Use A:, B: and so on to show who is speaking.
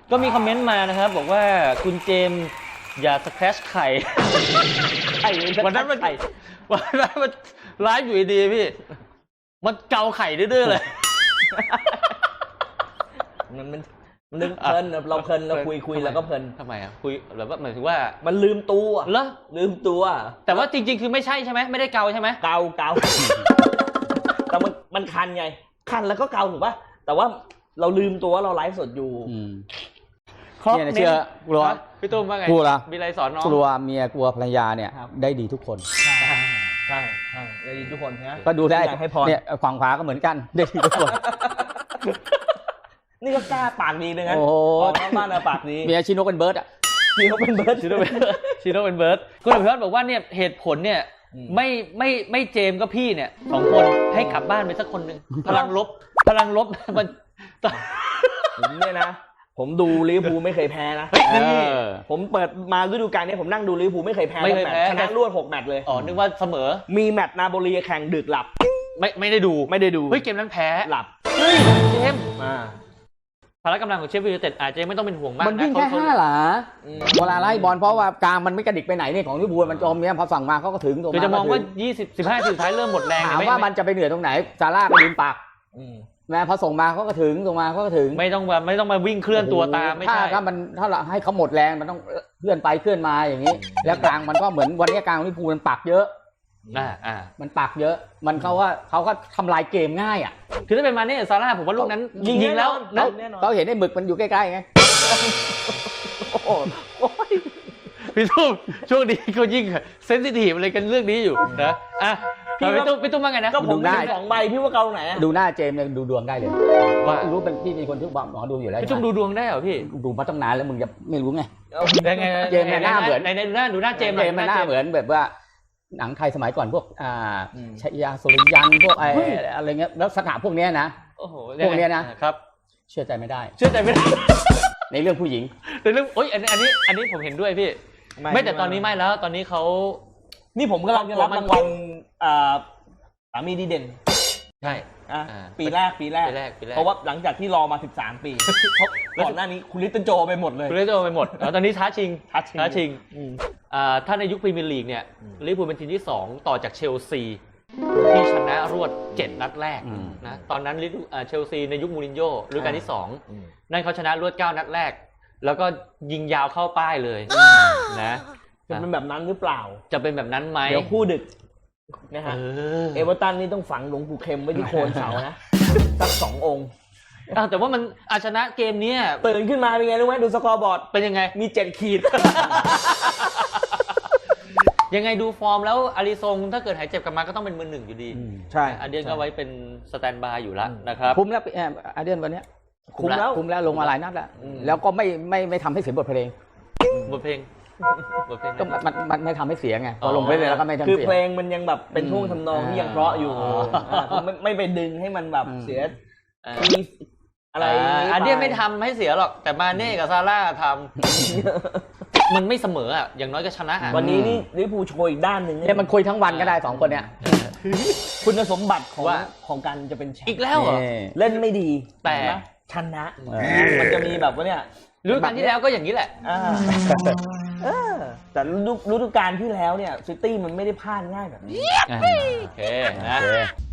A: ก็มีคอมเมนต์มานะครับบอกว่าคุณเจมส์อย่าสแครชไข่วันนั้นมันไลฟ์อยู่ดีพี่มันเกาไข่ดื้อๆเลย
B: มันนึกเพลินเราเพลินเราคุยแล้วก็เพลิน
A: ทำไมอ่ะคุยหรือว่าหมายถึงว่า
B: มันลืมตัว
A: เหรอ
B: ลืมตัว
A: แต่ว่าจริงๆคือไม่ใช่ใช่ไหมไม่ได้เกาใช่ไหม
B: เกาแต่มันคันไงคันแล้วก็เกาถูกป่ะแต่ว่าเราลืมตัวเราไลฟ์สดอยู่
C: เนี่ยเชื่อกลัว
A: พี่ตุ้มว่าไง
C: กลัว
A: มีอะไรสอนน้อง
C: กลัวเมียกลัวภรรยาเนี่ยได้ดีทุกคน
B: ใช่ได้ดีทุกคนนะ
C: ก็ดูได้
B: ให้พร
C: เนี่ยฝั่งขวาก็เหมือนกันได้ดีทุกคน
B: นี่ก็กล้าปากดีเลยนะบ้านเราปากดี
C: เมียชิโนเป็นเบิร์ดอ่ะ
B: ชิโนเป็นเบิร์ด
A: คุณอภิวัตบอกว่าเนี่ยเหตุผลเนี่ยไม่เจมก็พี่เนี่ย2 คนให้กลับบ้านไปสักคนหนึ่งพลังลบมัน
B: เนี่ยนะผมดูลิเวอร์พูลไม่เคยแพ้นะผมเปิดมาฤดูกาลนี้ผมนั่งดูลิเวอร์พูลไม่เคยแพ้ชนะรวด6 แมตช์เลย
A: อ๋อนึกว่าเสมอ
B: มีแมตช์นาโปลีแข่งดึกหลับ
A: ไม่ได้ดู
B: เฮ้
A: ยเกมนั้นแพ้
B: หลับ
A: เฮ้ยเจมพละกำลังของเชฟวิลเต็ดอาจจะไม่ต้องเป็นห่วงมาก
C: มันวิ่งแค่5 หลาเวลาไล่บอลเพราะว่ากลางมันไม่กระดิกไปไหนเนี่ยของลิเวอร์พูลมันจมเนี่ยพอสั่งมาเขาก็ถึงตรง
A: นั้นจะมองว่า20-15สุดท้ายเริ่มหมดแรง
C: ถามว่ามันจะไปเหนื่อยตรงไหนซาร่าไปยืนปากแม้พอส่งมาเขาก็ถึงส่งมาเขาก็ถึง
A: ไม่ต้องมาวิ่งเคลื่อนตัวตามไม่ใช่
C: ถ้าให้เขาหมดแรงมันต้องเคลื่อนไปเคลื่อนมาอย่างนี้แล้วกลางมันก็เหมือนวันนี้กลางลิเวอร์พูลมันปักเยอะมันปักเยอะมันเขาก็ทำลายเกมง่ายอ่ะ
A: คือถ้าเป็นมาเนี่ยซาร่าผมว่าลูกนั้นยิงแล้ว
C: เขาเห็นไอ้หมึกมันอยู่ใกล้ๆไง
A: พี่ตุ้มช่วงนี้เขายิ่งเซนซิทีฟอะไรกันเรื่องนี้อยู่นะพี่ตุ้มว่าไงนะ
B: ก็ผมได้2 ใบพี่ว่าเกาไหน
C: ดูหน้าเจมส์ดูดวงได้เลยว่ารู้เป็นพี่เป็นคนที่บอกหมอดูอยู่แล้ว
A: พี่ตุ้มดูดวงได้เหรอพี่
C: ดูมาตั้งนานแล้วมึงจะไม่รู้ไง
A: ไง
C: เจมส์หน้าเหมือน
A: ดูหน้าเจมส์
C: มันหน้าเหมือนแบบว่าหนังไทยสมัยก่อนพวกชัยยาสุริยันพวกอะไรเงี้ยแล้วสถานพวกนี้นะพวกนี้นะครับเชื่อใจไม่ได้ในเรื่องผู้หญิง
A: ในเรื่องอันนี้ผมเห็นด้วยพี่ไม่แต่ตอนนี้ไม่แล้วตอนนี้เขา
B: นี่ผมกำลังจะรับรางวัลสามีดีเด่น
A: ใช่
B: ปีแรกเพราะว่าหลังจากที่รอมา13 ปีเพราะก่อนหน้านี้คุณลิตเติ้ลโจไปหมดเลย
A: ตอนนี้ท้าชิงถ้าในยุคพรีเมียร์ลีกเนี่ยลิเวอร์พูลเป็นทีมที่2ต่อจากเชลซีที่ชนะรวด7 นัดแรกนะตอนนั้นเชลซีในยุคมูรินโญ่ฤดูกาลที่2นั่นเขาชนะรวด9 นัดแรกแล้วก็ยิงยาวเข้าป้ายเลยนะ
B: จะเป็นแบบนั้นหรือเปล่า
A: จะเป็นแบบนั้นไหม
B: เดี๋ยวคู่ดึกนะฮะเอเวอร์ตันนี่ต้องฝังหลวงปู่เข็มไว้ที่โคนเสานะสัก2 องค์
A: แต่ว่ามันชนะเกมนี้
B: ตื่นขึ้นมาเป็นไงรู้ไหมดูสกอร์บอร์ด
A: เป็นยังไง
B: มี7 ขีด
A: ยังไงดูฟอร์มแล้วอาริซงถ้าเกิดหายเจ็บกลับมาก็ต้องเป็นมือ 1อยู่ดี
B: ใช่
A: อาเดียนก็ไว้เป็นสแตนบายอยู่แล้วนะครับ
C: คุ้มแล้วอาเดียนวันนี้คุ้มแล้วลงมาหลายนัดแล้วก็ไม่ทำให้เสียบทเพลงก็มันไม่ทำให้เสียไงพอลงไปเลยแล้วก็ไม่ทำเสีย
B: คือเพลงมันยังแบบเป็นท่วงทำนองที่ยังเพราะอยู่ไม่ไปดึงให้มันแบบเสีย
A: อะไรอาเดียนไม่ทำให้เสียหรอกแต่มาเน่กับซาร่าทำมันไม่เสมออ่ะอย่างน้อยก็ชนะ
B: วันนี้นี่ลิเวอร์พูลโชว์อีกด้านหนึ่ง
C: เนี่ยมันคุยทั้งวันก็ได้2 คนเนี่ย
B: คุณสมบัติของการจะเป็นแชมป์
A: อีกแล้วเหรอ
B: เล่นไม่ดี
A: แต่
B: ชนะมันจะมีแบบว่าเนี่ย
A: ฤดูกาลที่แล้วก็อย่างนี้แหละ
B: แต่ฤดูกาลที่แล้วเนี่ยซิตี้มันไม่ได้พลาดง่ายแบบนี้
A: โอเคนะ